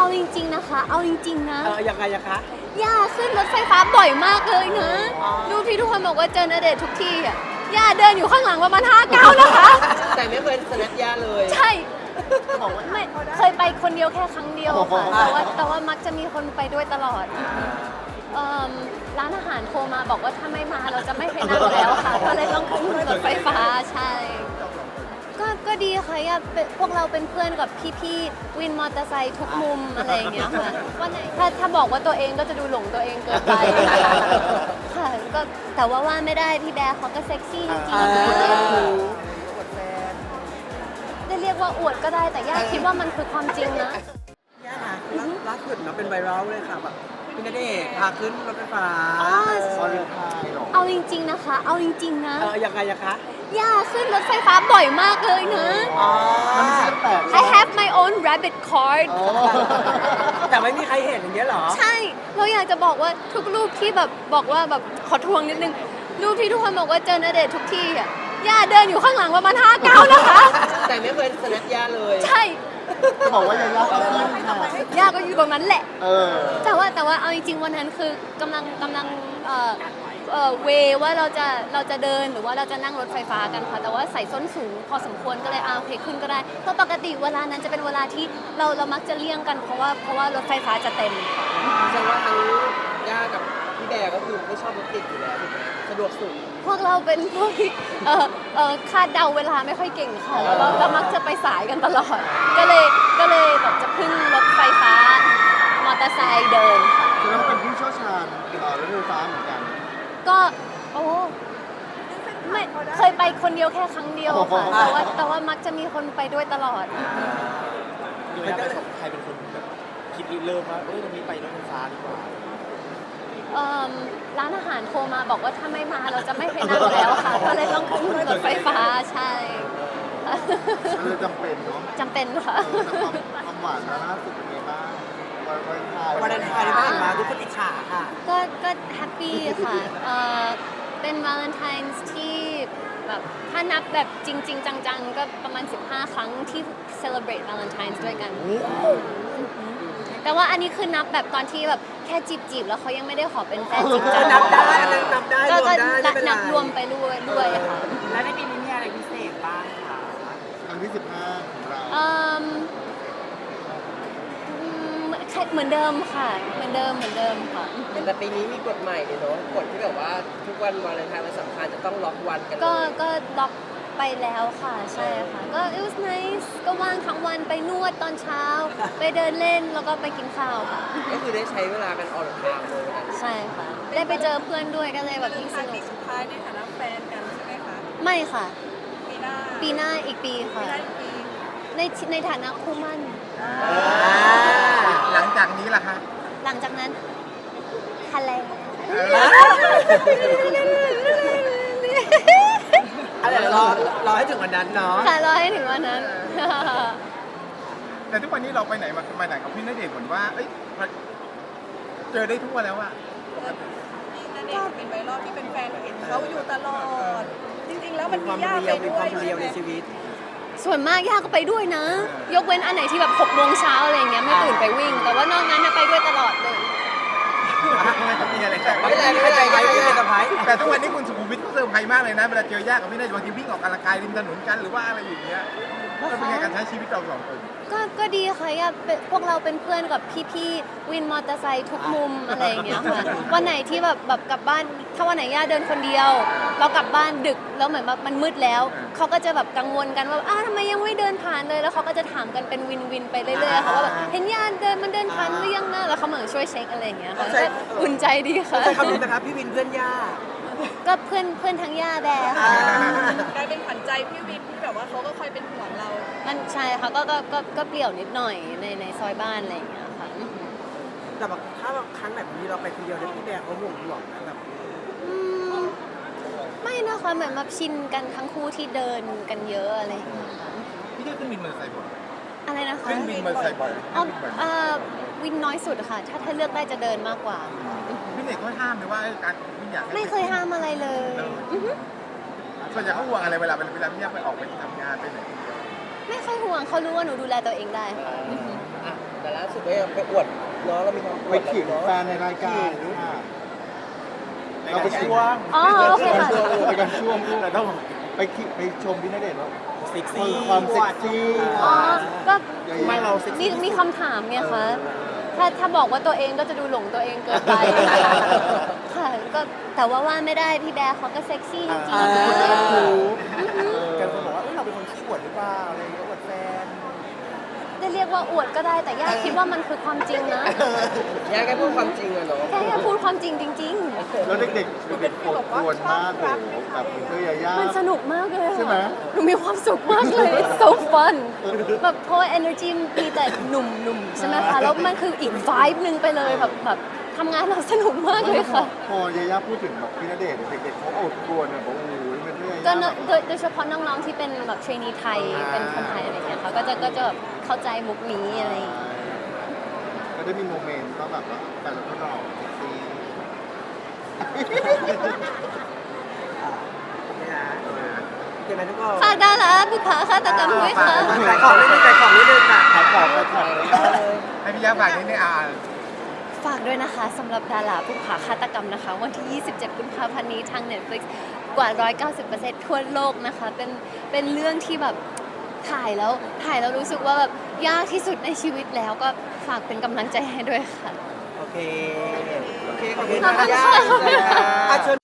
จริงๆนะคะเอาจริงๆนะยังไงอะคะย่าขึ้นรถไฟฟ้าบ่อยมากเลยนะดูที่ทุกคนบอกว่าเจอณเดชน์ทุกที่อ่ะย่าเดินอยู่ข้างหลังประมาณ5 ก้าวนะคะแต่ไม่เคยสแนปย่าเลยใช่ไม่เคยไปคนเดียวแค่ครั้งเดียวค่ะแต่ว่ามักจะมีคนไปด้วยตลอดร้านอาหารโทรมาบอกว่าถ้าไม่มาเราจะไม่ไปนั่งแล้วค่ะก็เลยต้องขึ้นรถไฟฟ้าใช่ก็ดีค่ะพวกเราเป็นเพื่อนกับพี่ๆวินมอเตอร์ไซค์ทุกมุมอะไรอย่างเงี้ยค่ะวันไหนถ้าบอกว่าตัวเองก็จะดูหลงตัวเองเกินไปค่ะก็แต่ว่าไม่ได้พี่แบร์เขาก็เซ็กซี่จริงๆได้เรียกว่าอวดก็ได้แต่ย่าคิดว่ามันคือความจริงนะย่าค่ะล่าสุดเนาะเป็นไวรัลเลยค่ะแบบพี่ณเดชน์พาขึ้นรถไฟฟ้าเอาจริงๆนะคะเอาจริงๆนะยังไงอะคะย่าขึ้นรถไฟฟ้าบ่อยมากเลยนะ I have my own rabbit card แต่ไม่มีใครเห็นอย่างเงี้ยหรอใช่เราอยากจะบอกว่าทุกรูปที่แบบบอกว่าแบบขอทวงนิดนึงรูปที่ทุกคนบอกว่าเจอณเดชน์ทุกที่อ่ะย่าเดินอยู่ข้างหลังประมาณ5 ก้าวนะคะแต่ไม่เคยสแนปย่าเลยใช่บอกว่าย่าย่าก็อยู่ตรงนั้นแหละแต่ว่าเอาจริงๆวันนั้นคือกำลังเวว่าเราจะเดินหรือว่าเราจะนั่งรถไฟฟ้ากันค่ะแต่ว่าใส่ส้นสูงพอสมควรก็เลยโอเคขึ้นก็ได้เพราะปกติเวลานั้นจะเป็นเวลาที่เรามักจะเลี่ยงกันเพราะว่ารถไฟฟ้าจะเต็มแสดงว่าทั้งย่ากับพี่แบร์ก็คือไม่ชอบรถติดอยู่แล้วสะดวกสุดพวกเราเป็นพวกที่คาดเดาเวลาไม่ค่อยเก่งค่ะแล้วเรามักจะไปสายกันตลอดก็เลยแบบจะขึ้นรถไฟฟ้ามอเตอร์ไซค์เดินค่ะเราเป็นผู้เชี่ยวชาญรถไฟฟ้าเหมือนกันก็ไม่เคยไปคนเดียวแค่ครั้งเดียวค่ะแต่ว่ามักจะมีคนไปด้วยตลอดอยู่ในประสบใครเป็นคนแบบคิดเริ่มว่าตรงนี้ไปรถไฟฟ้าดีกว่าร้านอาหารโทรมาบอกว่าถ้าไม่มาเราจะไม่ไปนั่งแล้วค่ะก็เลยต้องขึ้นรถไฟฟ้าใช่เลยจำเป็นเนาะจำเป็นค่ะความหวานล่าสุดเป็นไงบ้างวันไทยบ้างมาทุกคนอิจฉาค่ะก็แฮปปี้ค่ะเป็นวาเลนไทน์ที่แบบถ้านับแบบจริงๆจังๆก็ประมาณ15 ครั้งที่ celebrate Valentine's ด้วยกันแต่ว่าอันนี้คือนับแบบตอนที่แบบแค่จีบแล้วเขายังไม่ได้ขอเป็นแฟนจริงจังนับได้ก็นับรวมไปด้วยค่ะแล้วในปีนี้มีอะไรพิเศษบ้างคะครั้งที่15ของเราเหมือนเดิมค่ะเหมือนเดิมค่ะแต่ปีนี้มีกฎใหม่เลยเนาะกฎที่แบบว่าทุกวันวาเลนไทน์วันสำคัญจะต้องล็อกวันกันก็ล็อกไปแล้วค่ะใช่ค่ะก็ it was nice ก็ว่างทั้งวันไปนวดตอนเช้าไปเดินเล่นแล้วก็ไปกินข้าวค่ะก็คือได้ใช้เวลากันออลทางเลยใช่ค่ะได้ไปเจอเพื่อนด้วยก็เลยแบบยิ่งสนุกสุดท้ายในฐานะแฟนกันใช่ไหมคะไม่ค่ะปีหน้าอีกปีค่ะในฐานะคู่มั่นหลังจากนี้ล่ะคะหลังจากนั้นทะเลรอให้ถึงวันนั้นเนาะค่ะรอให้ถึงวันนั้นแต่ทุกวันนี้เราไปไหนมาไหนกับพี่ณเดชน์เหมือนว่าเจอได้ทุกวันแล้วอะณเดชน์เป็นไวรัลที่เป็นแฟนเห็นเขาอยู่ตลอดจริงๆแล้วมันมีย่าไปด้วยใช่ไหมในชีวิตส่วนมากย่าก็ไปด้วยนะยกเว้นอันไหนที่แบบ6 โมงเช้าอะไรเงี้ยไม่ตื่นไปวิ่งแต่ว่านอกนั้นไปด้วยตลอดเลยมีอะไรไม่ใจไม่เซอร์ไพรส์แต่ทุกวันนี้คุณสุขุมวิทเขาเซอร์ไพรส์มากเลยนะเวลาเจอย่ากับพี่ณเดชน์บางทีวิ่งออกกำลังกายริมถนนกันหรือว่าอะไรอย่างเงี้ยเป็นไงการใช้ชีวิตเรา2 คนก็ดีค่ะพวกเราเป็นเพื่อนกับพี่ๆวินมอเตอร์ไซค์ทุกมุมอะไรอย่างเงี้ยค่ะวันไหนที่แบบกลับบ้านถ้าวันไหนย่าเดินคนเดียวเรากลับบ้านดึกแล้วเหมือนแบบมันมืดแล้วเขาก็จะแบบกังวลกันว่าทำไมยังไม่เดินผ่านเลยแล้วเขาก็จะถามกันเป็นวินไปเรื่อยๆค่ะว่าแบบเห็นย่าเดินผ่านหรือยังนะแล้วเขาเหมือนช่วยเช็คอะไรอย่างเงี้ยค่ะอุ่นใจดีค่ะใช่คำนี้นะครับพี่วินเพื่อนย่าก็เพื่อนทั้งย่าแบร์ค่ะกลายเป็นขวัญใจพี่วินที่แบบว่าเขาก็คอยเป็นห่วงเรามันใช่ค่ะก็เปลี่ยวนิดหน่อยในซอยบ้านอะไรอย่างเงี้ยค่ะแต่แบบถ้าครั้งแบบนี้เราไปคนเดียวแล้วพี่แบร์เขาห่วงนะแบบไม่นะคะเหมือนมาชินกันทั้งคู่ที่เดินกันเยอะอะไรอย่างเงี้ยค่ะพี่ขึ้นวินมอเตอร์ไซค์บ่อยอะไรนะคะขึ้นวินมอเตอร์ไซค์บ่อยวินน้อยสุดค่ะถ้าเลือกได้จะเดินมากกว่าพี่เด็กเขาห้ามไหมว่าการวิ่งอยากไม่เคยห้ามอะไรเลยส่วนใหญ่เขาห่วงอะไรเวลาพี่อยากไปออกไปทำงานไปไหนไม่ค่อยห่วงเขารู้ว่าหนูดูแลตัวเองได้ค่ะแต่แต่ล่าสุดก็ยังไปอวดเนาะเรามีความอไปวดขิงเนาะแฟนในรายการค่ะเราไปช่วงอ๋อโอเคค่ะไปกันช่วงแต่ต้องไปขิงไปชมพี่ณเดชน์ว่าเซ็กซี่ความเซ็กซี่อ๋อ ก็ไม่เราเซ็กซี่มีคำถามไงคะ ถ้าบอกว่าตัวเองก็จะดูหลงตัวเองเกินไป ค่ะ ก็แต่ว่าไม่ได้พี่แบร์เขาก็เซ็กซี่จริงอ่าๆกันคนบอกว่าเราเป็นคนขี้อวดหรือเปล่าอะไรอย่างเงี้ยอวดแฟนจะเรียกว่าอวดก็ได้แต่ย่าคิดว่ามันคือความจริงนะย่าแค่พูดความจริงอะเนาะแค่พูดความจริงจริงแล้วเด็กๆเด็กๆปวดปวดมากเลยแบบเพื่อยาย่าๆ มันสนุกมากเลยอะใช่ไหมหนูมีความสุขมากเลย it's so fun แบบเพราะว่า energy มีแต่หนุ่มๆ ใช่ไหมคะ แล้วมันคืออีก vibe หนึ่งไปเลยแบบทำงานเราสนุกมากเลยค่ะพอยาย่าพูดถึงแบบพี่ณเดชน์เด็กๆเขาอดกลัวเนี่ยบอกโอ้โหเป็นเพื่อยาก็ย่าโดยเฉพาะน้องๆที่เป็นแบบเทรนนีไทยเป็นคนไทยอะไรเงี้ยค่ะก็จะแบบเข้าใจมุกนี้อะไรอย่างเงี้ยก็ได้มีโมเมนต์ก็แบบว่าแต่ละคนหล่อเซ็กซี่โอเคไหมทุกคนฝากดาราบุพภาฆาตกรรมด้วยค่ะขายของนิดนึงขายของนิดนึงค่ะขายของไปขายให้พี่ย่าฝากนิดนึงฝากด้วยนะคะสำหรับดาราบุพภาฆาตกรรมนะคะ วันที่ 27 กุมภาพันธ์นี้ทาง Netflix กว่า 190% ทั่วโลกนะคะ เป็นเรื่องที่แบบถ่ายแล้วรู้สึกว่าแบบยากที่สุดในชีวิตแล้วก็ฝากเป็นกำลังใจให้ด้วยค่ะโอเค ขอบคุณค่ะย่าเชิญ